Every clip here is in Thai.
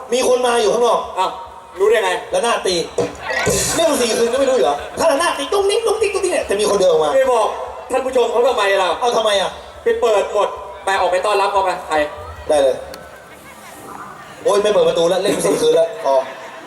มีคนมาอยู่ข้างนอกอ้าวรู้ได้ไงแล้วหน้าตีเรื่อง4 คืนก็ไม่รู้เหรอถ้าหน้าตีตุ้งนิ้งตุ้งติ๊กตุ้งติ๊กเนี่ยจะมีคนเดินออกมาไม่บอกท่านผู้ชมเขาทำไมเราเอาทำไมอ่ะไปเปิดหมดไปออกไปต้อนรับเขาไปใครได้เลยโอ้ยไม่เปิดประตูแล้วเล่น4 คืนแล้วพอ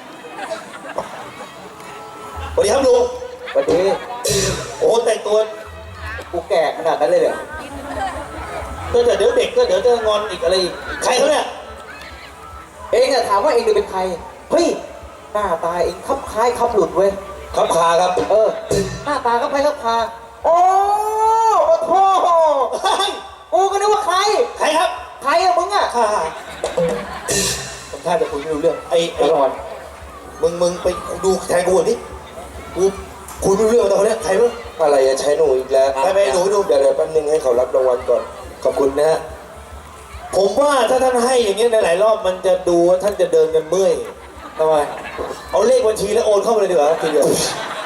สวัสดีครับลุงสวัสดีโอ้แต่งตัวกูแก่ขนาดนั้นเลยเหรอก็เดี๋ยวเด็กก็เดี๋ยวจะงอนอีกอะไรอีกใครเขาเนี่ยเองอะถามว่าเองเป็นใครเฮ้ยหน้าตาเองคับคล้ายคับหลุดเว้ยครับคาครับหน้าตาคับคล้ายคับคาโอ้โหกูก็นึกว่าใครครับใครอะมึงอะข้าผมท่าจะคุยไม่รู้เรื่องไอ้รอนมึงไปดูแทนกูก่อนดิกูคุยไม่รู้เรื่องตอนนี้ใครมั้งอะไรจะใช้หนูอีกแล้วไปหนูดูเดี๋ยวแป๊บนึงให้เขารับรางวัลก่อนขอบคุณนะฮะผมว่าถ้าท่านให้อย่างเงี้ยในหลายรอบมันจะดูว่าท่านจะเดินกันเมื่อยทำไมเอาเลขบัญชีแล้วโอนเข้าไปเลยดีกว่าทีเดียว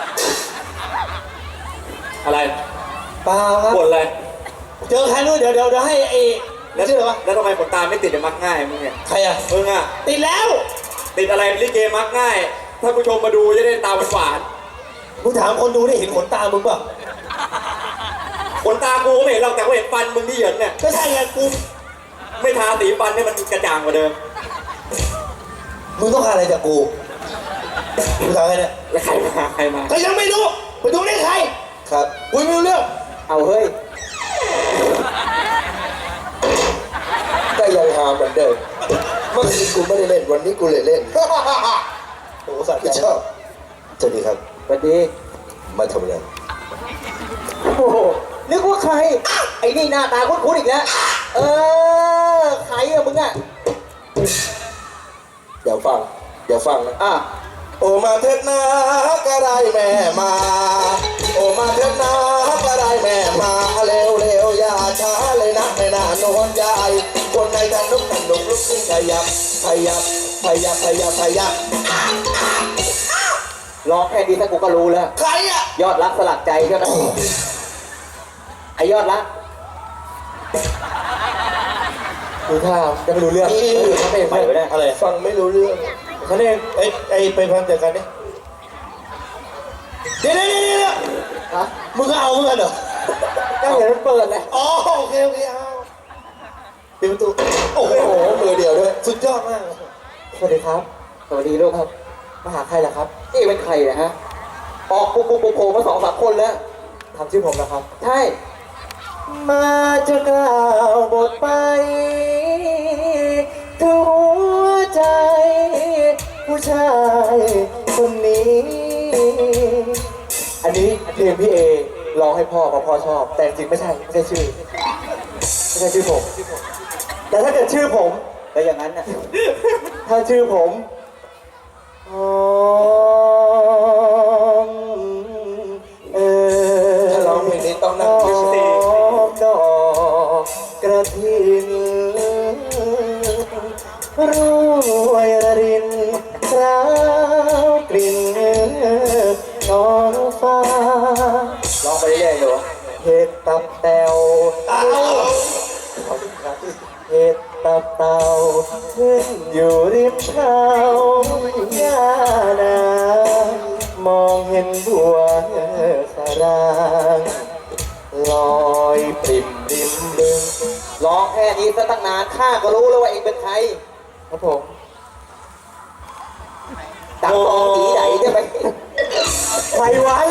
อะไรเปล่าครับบ่นอะไรเจอใครนู้นเดี๋ยวให้ไอ้แล้วชื่ออะไรวะแล้วทำไมขนตาไม่ติดมักง่ายมึงเนี่ยใครอ่ะมึงอ่ะติดแล้วติดอะไรลิเกมักง่ายถ้าผู้ชมมาดูจะได้ตาหวานมึงถามคนดูได้เห็นขนตามึงป่ะขนตากูไม่เห็นหรอกแต่กูเห็นฟันมึงที่เหยินเนี่ยก็ใช่ไงกูไม่ทาสีฟันให้มันกระจ่างกว่าเดิมมึงต้องการอะไรจากกูมึงถามใครเนี่ยแล้วใครมาก็ยังไม่รู้ไปดูได้ใครครับกูไม่รู้เรื่องเอาเฮ้ยก็ยังหาเหมือนเดิมเมื่อคืนกูไม่ได้เล่นวันนี้กูเลยเล่นโอ้สัตว์ชอบสวัสดีครับสวัสดีมาทำอะไรโอ้โหนึกว่าใครไอ้นี่หน้าตาคุ้นๆอีกแล้วใครอะมึงอะเดี๋ยวฟังนะอ่ะโอมาเถิดนะก็ได้แม่มาโอมาเถิดนะก็ได้แม่มาเร็วอย่าช้าเลยนะแม่น่านอนใหญ่คนในทางลุกลุกขึ้นขยับร้องแค่นี้ถ้ากูก็รู้แล้วใครอะยอดรักสลักใจใช่ไหมไอยอดรักดูท่าจะไม่รู้เรื่องเขาไม่ไปไม่ได้อะไรฟังไม่รู้เรื่องเขาเรียกไอ้ไปพันจากกันนี่เดี๋ยวฮะมึงก็เอาเหมือนกันเหรอก็เห็นมันเปิดเลยอ๋อโอเคเอาปิดประตูโอ้โหมือเดียวด้วยสุดยอดมากสวัสดีครับสวัสดีลูกครับมาหาใครล่ะครับนี่เป็นใครนะฮะออกปูโผล่มา2-3 คนแล้วทำชื่อผมนะครับใช่มาจะกล่าวบทไปถึงหัวใจผู้ชายคนนี้อันนี้เพลงพี่เอร้องให้พ่อเพราะพ่อชอบแต่จริงไม่ใช่ชื่อผมแต่ถ้าเกิดชื่อผมก็อย่างนั้นนะถ้าชื่อผมถ้าร้องเพลงนี้ต้องนั่งไม่ใช่ดอกกระถินรวยระรินสาวกลิ่นน้องฟ้าร้องไปเรื่อยๆอยู่เห็ดตับแตวเห็ดตับเต่าขึ้นอยู่ริมเขาหญ้านามองเห็นบัวสรางลอยปริ่มริมบึงร้องแค่นี้ซะตั้งนานข้าก็รู้แล้วว่าเองเป็นใครครับผมตังตองตีไหนใช่ไหมไพวัน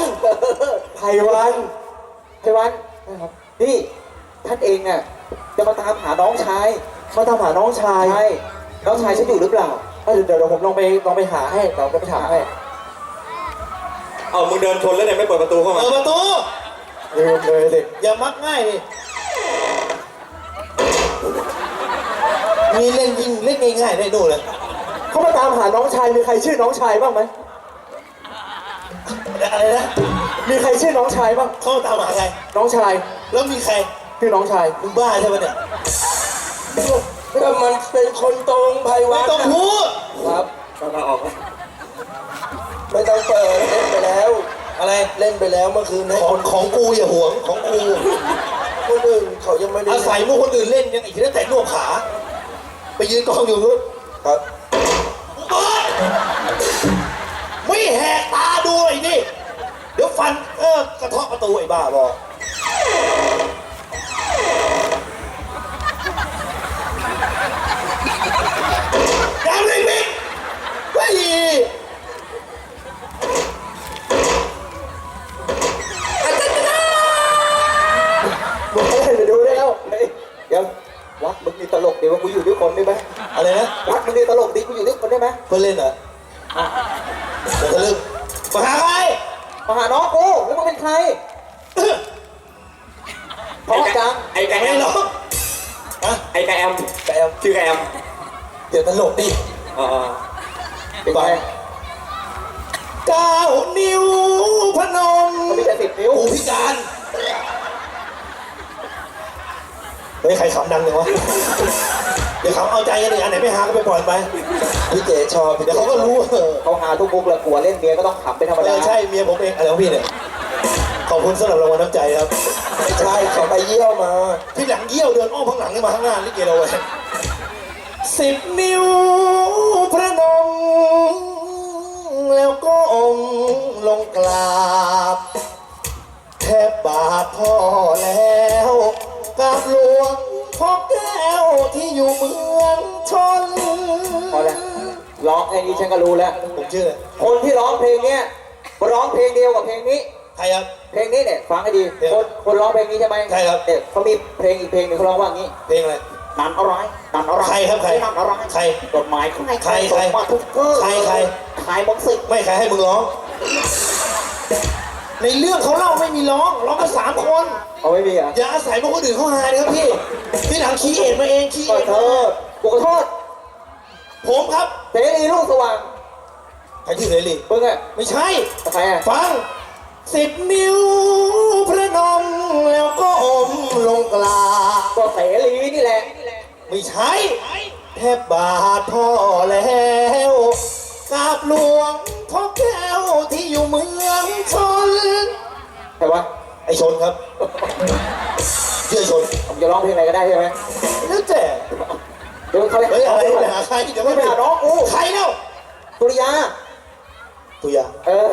นะครับนี่ท่านเองน่ะจะมาตามหาน้องชายใช่น้องชายฉันอยู่หรือเปล่าเดี๋ยวผมลองไปหาให้เราไปถามให้เอามึงเดินชนแล้วเนี่ยไม่เปิดประตูเข้ามาเปิดประตูเลยสิอย่ามักง่ายดิมีเล่นยิงเล่นง่ายๆได้ดูเลยเขามาตามหาน้องชายมีใครชื่อน้องชายบ้างไหมอะไรนะมีใครชื่อน้องชายบ้างเขาตามหาใครน้องชายแล้วมีใครชื่อน้องชายมึงบ้าใช่ไหมเนี่ยก็มันเป็นคนตรงไพวันไม่ต้องพูดครับมาออกไม่ต้องเปิดเล่นไปแล้วอะไรเล่นไปแล้วเมื่อคืนให้ของกูอย่าห่วงของกูคนอื่นเขายังไม่ได้อาศัยพวกคนอื่นเล่นยังอีกทีนั้นแต่นวดขาไปยืนกองอยู่นู้นครับไม่แหกตาดูไอ้นี่เดี๋ยวฟันกระเทาะประตูไอ้บ้าบอกยังเลยบิ๊กเฮ้ยมึงให้ไปดูได้แล้วเฮ้ยเดี๋ยววัดมึงนี่ตลกดีว่ากูอยู่ด้วยคนได้ไหมอะไรนะวัดมึงนี่ตลกดีกูอยู่ด้วยคนได้ไหมเพื่อนเล่นเหรอเดี๋ยวทะลึ่งมาหาใครมาหาน้องกูแล้วมึงเป็นใครเพราะจังไอ้ไก่ไม่แอมหรอกอะไอ้ไก่แอมแต่ชื่อไก่แอมเดี๋ยวตลกดิอ๋อเป็นไง 9 นิ้วพนมเขามีแต่10 นิ้วกูพิการเฮ้ยใครขำดังเลยวะเดี๋ยวเขาเอาใจกันดิอันไหนไม่หาก็ไปปล่อยไปพี่เจ๋ชอบเดี๋ยวเขาก็รู้เขาหาทุกมุกแล้วกลัวเล่นเมียก็ต้องขำเป็นธรรมดาใช่เมียผมเองอะไรของพี่เนี่ยขอบคุณสำหรับรางวัลน้ำใจครับไม่ใช่เขาไปเยี่ยวมาที่หลังเยี่ยวเดินอ้อมข้างหลังนี่มาข้างหน้าลิเกเราไว้10 นิ้วพระนมแล้วก็องค์ลงกราบแทบบาทพ่อแล้วกราบหลวงพ่อแก้วที่อยู่เมืองชนพอแล้วร้องเพลงนี้ฉันก็รู้แล้วผมชื่ออะไรคนที่ร้องเพลงเนี้ยร้องเพลงเดียวกับเพลงนี้ใครครับเพลงนี้เนี่ยฟังให้ดีเพลงคนร้องเพลงนี้ใช่ไหมใช่ครับเนี่ยเขามีเพลงอีกเพลงหนึ่งเขาร้องว่างี้เพลงอะไรนันอะไรนันอะไรใครครับใครนันอะไรใครกฎหมายใครใครใครมาทุกเรื่องใครใครใครมึงสิไม่ใครให้มึงร้อง ในเรื่องเขาเล่าไม่มีร้องกัน3 คนเอาไม่มีเหรอ่ะอย่าอาศัยพวกคนอื่นเขาหาเลยครับพี่ที่หลังคีเอทมาเองคีขเออทโทษกูขอโทษผมครับเสรีลูกสว่างใครชื่อเสรีมึงอะไม่ใช่ใครอะฟัง10 นิ้วพระนมแล้วก็อมลงกลาบก็เสรีนี่แหละไม่ใช่แทบบาทพ่อแล้วกราบหลวงพ่อแก้วที่อยู่เมืองชนใครวะไอชนครับเชื่อชนผมจะร้องเพลงอะไรก็ได้ใช่ไหมแล้วแต่เดี๋ยวเขาเรียกเฮ้ยอะไรไปหาใครเดี๋ยวไม่ไม่ไปไปหาหาน้องกูใครเล่าตุริยาตุยาเออ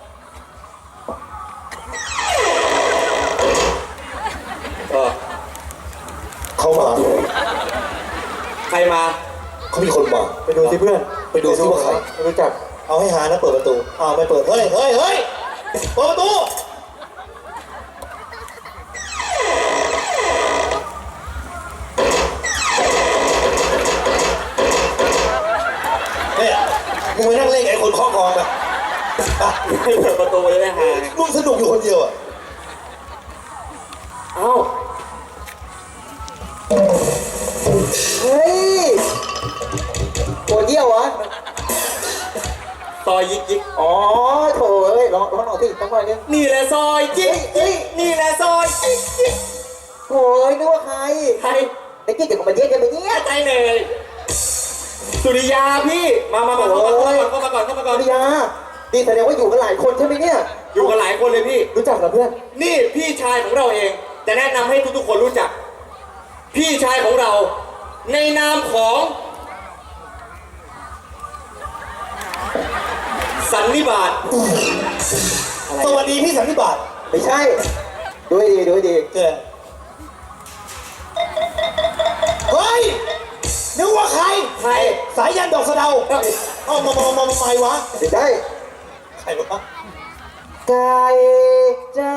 เออเขามาใครมาเขามีคนมาไปดูสิเพื่อนไปดูซิว่าใครไม่รู้จักเอาให้หานะเปิดประตูอ้าวไม่เปิดเฮ้ยเฮ้ยเฮ้ยเปิดประตูเนี่ยมึงไปนั่งเล่นกับไอ้คนเคาะกลองไปอ่ะให้เปิดประตูเลยนะฮะมึงสนุกอยู่คนเดียวอ่ะเอ้าเฮ้ยปวดเยี่ยวเหรอซอยยิกยิกอ๋อโถเอ้ยร้องหน่อยสิสักหน่อยนึงนี่แหละซอยยิกยิกนี่แหละซอยยิกยิกโถ่เอ้ยนึกว่าใครใครไอ้กิ๊กเดี๋ยวมาเยี่ยมมาเยี่ยมใจเหนื่อยสุริยาพี่มาเข้ามาก่อนเข้ามาก่อนตุริยานี่แสดงว่าอยู่กันหลายคนใช่ไหมเนี่ยอยู่กันหลายคนเลยพี่รู้จักเหรอเพื่อนนี่พี่ชายของเราเองจะแนะนำให้ทุกๆคนรู้จัก พี่ชายของเราในนามของสันนิบาตสวัสดีพี่สันนิบาตไม่ใช่ ดูให้ดีดูให้ดีเกิดเฮ้ยนึกว่าใครใครสายยันดอกสะเดาเอามาใหม่วะไม่ใช่ใครวะไก่จ้า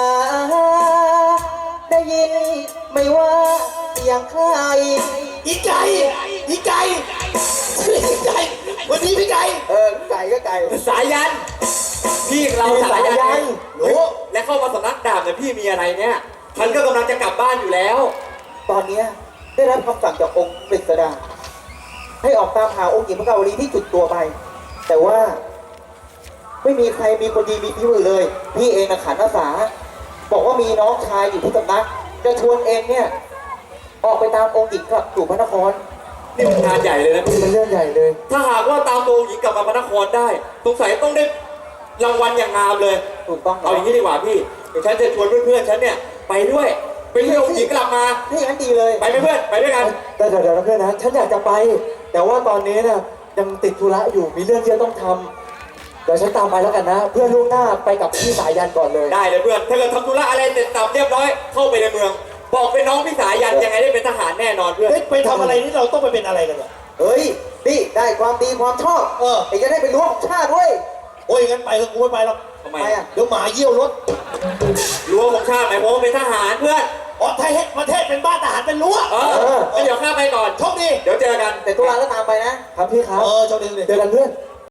ได้ยินไม่ว่าอย่างใครอีไก่อีไก่อีไก่วันนี้พี่ไก่ไก่ก็ไก่สายัน พี่เราสาสายัยันนรู้และเข้ามาสำนักดาบเนี่ยพี่มีอะไรเนี่ยฉันก็กำลังจะกลับบ้านอยู่แล้วตอนเนี้ยได้รับคำสั่งจากองค์กฤษดาให้ออกตามหาองค์หญิงพระกาวลีที่จุดตัวไป แต่ว่า ไม่มีใครมีคนดีมีฝีมือเลย พี่เองนะขันอาสาบอกว่ามีน้องชายอยู่ที่สำนักจะชวนเองเนี่ย ออกไปตามองค์หญิงกลับสู่พระนครนี่มันงานใหญ่เลยนะพี่มันเรื่องใหญ่เลยถ้าหากว่าตามโมหญิงกลับมาพระนครได้สงสัยต้องได้รางวัลอย่างงามเลยถูกต้องเอาอย่างนี้ดีกว่าพี่เดี๋ยวฉันจะชวนเพื่อนๆฉันเนี่ยไปด้วยไปเที่ยวหญิงกลับมานี่งั้นดีเลยไปไหมเพื่อนไปด้วยกันแต่เดี๋ยวนะเพื่อนนะฉันอยากจะไป แต่ว่าตอนนี้นะยังติดธุระอยู่มีเรื่องที่จะต้องทำเดี๋ยวฉันตามไปแล้วกันนะ เพื่อนล่วงหน้าไปกับพี่สายันก่อนเลยได้เลยเพื่อนถ้าเกิดทำธุระอะไรเสร็จสับเรียบร้อยเข้าไปในเมือง บอกเป็นน้องพี่สายันยังไงได้เป็นทหารแน่นอนเพื่อนเฮ้ยไปทำอะไรนี่เราต้องไปเป็นอะไรกันเนี่ยเฮ้ยนี่ได้ความดีความชอบเออไอ้จะได้เป็นรั้วของชาติเว้ยโอ้ยงั้นไปก็กูไม่ไปหรอกทำไมไปอ่ะเดี๋ยวหมาเยี่ยวรถรั้วของชาติหมายความว่าเป็นทหารเพื่อนอ๋อไทยให้ประเทศเป็นบ้านทหารเป็นรั้วเอองั้นเดี๋ยวข้าไปก่อนโชคดีเดี๋ยวเจอกันแต่ตุลาก็ตามไปนะครับพี่ครับโชคดีเจอกันเพื่อนเ